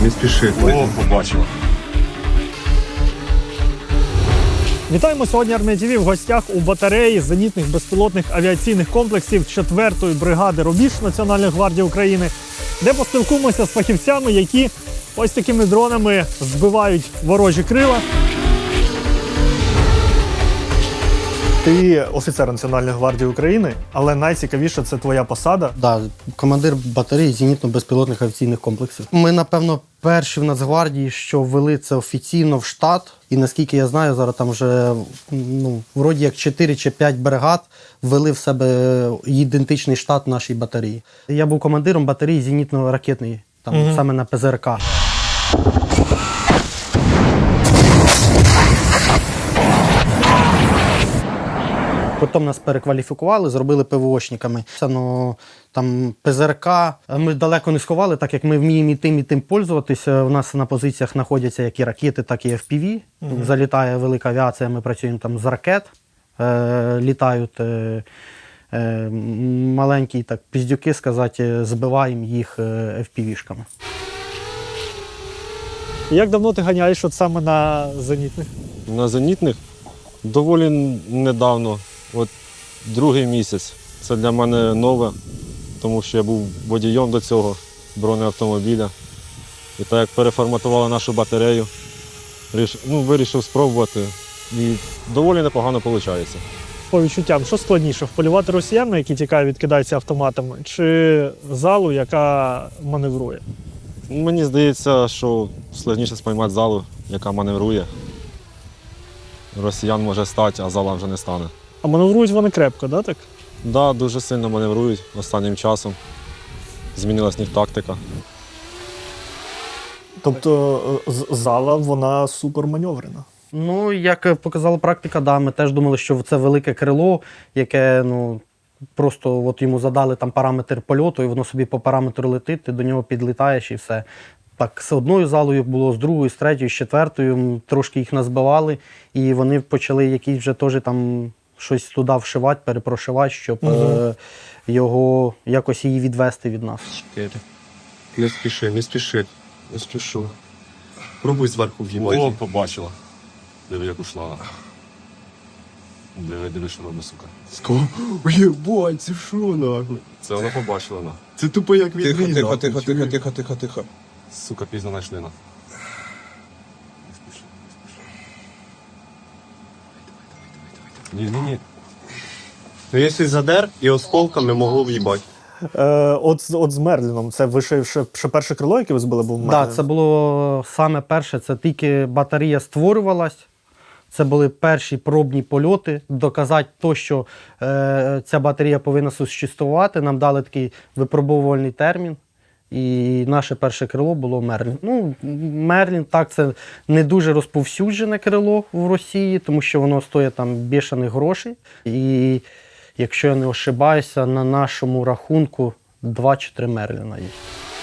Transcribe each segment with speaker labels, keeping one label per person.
Speaker 1: Не спіши.
Speaker 2: О, побачила.
Speaker 3: Вітаємо сьогодні Армія ТВ в гостях у батареї зенітних безпілотних авіаційних комплексів 4-ї бригади «Рубіж» Національної гвардії України, де поспілкуємося з фахівцями, які ось такими дронами збивають ворожі крила. Ти офіцер Національної гвардії України, але найцікавіше – це твоя посада.
Speaker 4: Да, командир батареї зенітно-безпілотних авіаційних комплексів. Ми, напевно, перші в Нацгвардії, що ввели це офіційно в штат. І наскільки я знаю, зараз там вже вроді як 4 чи 5 бригад ввели в себе ідентичний штат нашій батареї. Я був командиром батареї зенітно-ракетної, там саме на ПЗРК. Потім нас перекваліфікували, зробили ПВОшниками. Там ПЗРК ми далеко не сховали, так як ми вміємо і тим пользуватися. У нас на позиціях знаходяться як і ракети, так і FPV. Залітає велика авіація, ми працюємо там з ракет. Літають маленькі так, піздюки, сказати, збиваємо їх FPV-шками.
Speaker 3: Як давно ти ганяєш от саме на зенітних?
Speaker 2: На зенітних доволі недавно, от другий місяць. Це для мене нове, тому що я був водієм до цього бронеавтомобіля. І так як переформатували нашу батарею, вирішив спробувати. І доволі непогано виходить.
Speaker 3: По відчуттям, що складніше, вполювати росіян, які тікають, відкидаються автоматами, чи залу, яка маневрує?
Speaker 2: Мені здається, що складніше спіймати залу, яка маневрує. Росіян може стати, а зала вже не стане.
Speaker 3: А маневрують вони крепко, да, так?
Speaker 2: Так, дуже сильно маневрують останнім часом. Змінилась в них тактика.
Speaker 3: Тобто зала, вона суперманеврена.
Speaker 4: Ну, як показала практика, да, ми теж думали, що це велике крило, яке, просто от йому задали там параметр польоту, і воно собі по параметру летить, ти до нього підлітаєш і все. Так, з одною залою було, з другою, з третьою, з четвертою, трошки їх назбивали, і вони почали якісь вже теж там щось туди вшивати, перепрошивати, щоб його, якось її відвести від нас.
Speaker 1: Не спіши, не спіши. Не спішу. Пробуй зверху в'їмати.
Speaker 2: О, побачила. Диви, як ушла. Диви, що робить, сука.
Speaker 1: Єбать, це що нахуй?
Speaker 2: Це вона побачила, на.
Speaker 1: Це тупо як відрізав.
Speaker 5: Тихо.
Speaker 2: Сука, пізно знайшли, на. Ні.
Speaker 1: Ну, якщо задер, і осколками могло в'їбати.
Speaker 3: От з Мерліном, це ви ще перше крило, яке ви збили, був Мерлін?
Speaker 4: Так, це було саме перше, це тільки батарея створювалась. Це були перші пробні польоти. Доказати те, що ця батарея повинна существувати. Нам дали такий випробовувальний термін. І наше перше крило було Мерлін. Мерлін, так, це не дуже розповсюджене крило в Росії, тому що воно стоїть там бішаних грошей. І якщо я не ошибаюся, на нашому рахунку 2 чи 3 Мерліна є.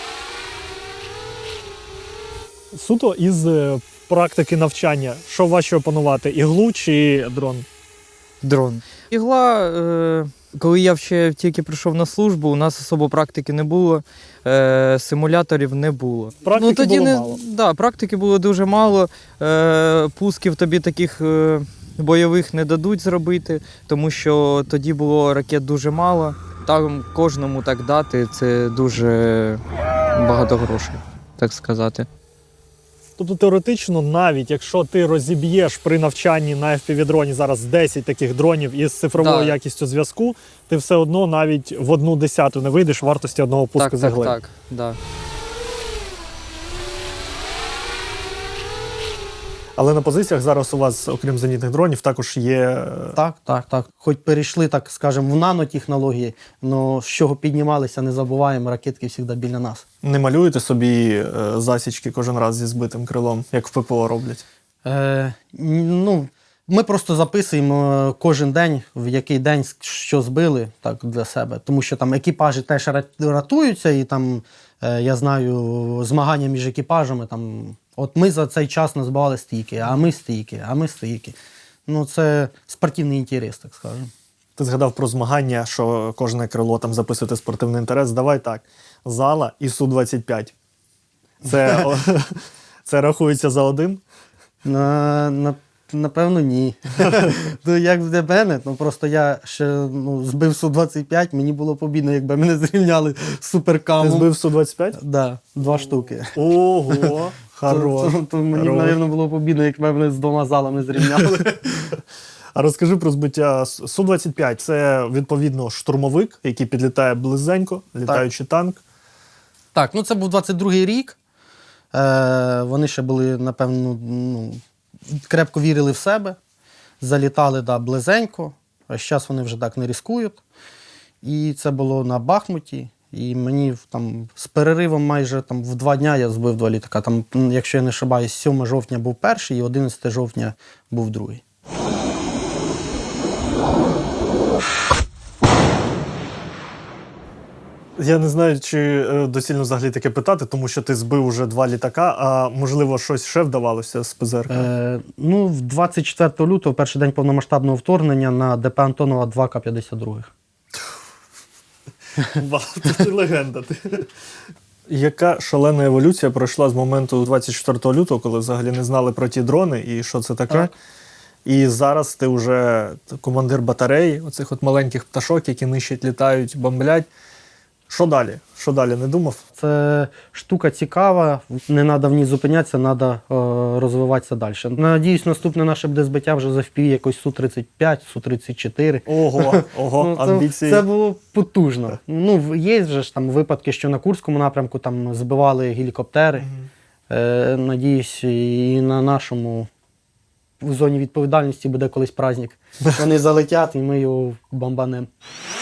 Speaker 3: Суто із практики навчання, що важче опанувати, іглу чи дрон?
Speaker 5: Дрон. Ігла, коли я ще тільки прийшов на службу, у нас особо практики не було, симуляторів не було.
Speaker 3: Практики було мало?
Speaker 5: Да, практики було дуже мало, пусків тобі таких бойових не дадуть зробити, тому що тоді було ракет дуже мало. Там кожному так дати – це дуже багато грошей, так сказати.
Speaker 3: Тобто теоретично, навіть якщо ти розіб'єш при навчанні на FPV-дроні зараз 10 таких дронів із цифровою якістю зв'язку, ти все одно навіть в 1/10 не вийдеш вартості одного пуску з ігли.
Speaker 5: Так, да.
Speaker 3: Але на позиціях зараз у вас, окрім зенітних дронів, також є...
Speaker 4: Так. Хоч перейшли, так скажемо, в нанотехнології, але з чого піднімалися, не забуваємо, ракетки завжди біля нас.
Speaker 3: Не малюєте собі засічки кожен раз зі збитим крилом, як в ППО роблять?
Speaker 4: Ми просто записуємо кожен день, в який день що збили, так, для себе. Тому що там екіпажі теж рятуються, і там, я знаю, змагання між екіпажами, там, от ми за цей час назбивали стільки, а ми стільки. Це спортивний інтерес, так скажемо.
Speaker 3: Ти згадав про змагання, що кожне крило там записуєте спортивний інтерес. Давай так, зала і Су-25. Це рахується за один?
Speaker 4: Напевно, ні. Ну, як для мене, ну просто я ще збив Су-25, мені було побідно, якби мене зрівняли з суперкамом.
Speaker 3: Ти збив Су-25?
Speaker 4: Да, 2 штуки.
Speaker 3: Ого, хорош.
Speaker 4: То мені, мабуть, було побідно, якби мене з 2 залами зрівняли.
Speaker 3: А розкажи про збиття Су-25. Це, відповідно, штурмовик, який підлітає близенько, літаючий танк.
Speaker 4: Так, ну це був 22-й рік. Вони ще були, напевно, крепко вірили в себе. Залітали близенько. А зараз вони вже так не ризикують. І це було на Бахмуті. І мені там з переривом майже там, в 2 дня я збив 2 літака. Там, якщо я не ошибаюсь, 7 жовтня був перший і 11 жовтня був другий.
Speaker 3: Я не знаю, чи доцільно взагалі таке питати, тому що ти збив уже 2 літака, а можливо щось ще вдавалося з ПЗРК?
Speaker 4: В 24 лютого, перший день повномасштабного вторгнення, на ДП Антонова 2 К-52.
Speaker 3: Вау, ти легенда. Яка шалена еволюція пройшла з моменту 24 лютого, коли взагалі не знали про ті дрони і що це таке?
Speaker 4: Так.
Speaker 3: І зараз ти вже командир батареї, оцих от маленьких пташок, які нищать, літають, бомблять. Що далі? Що далі, не думав?
Speaker 4: Це штука цікава, не треба в ній зупинятися, треба розвиватися далі. Надіюсь, наступне наше буде збиття вже за FPV якось Су-35, Су-34.
Speaker 3: Ого, амбіції.
Speaker 4: Це було потужно. Є вже ж там випадки, що на Курському напрямку там збивали гелікоптери. Надіюсь, і на нашому в зоні відповідальності буде колись праздник. Вони залетять і ми його бомбанемо.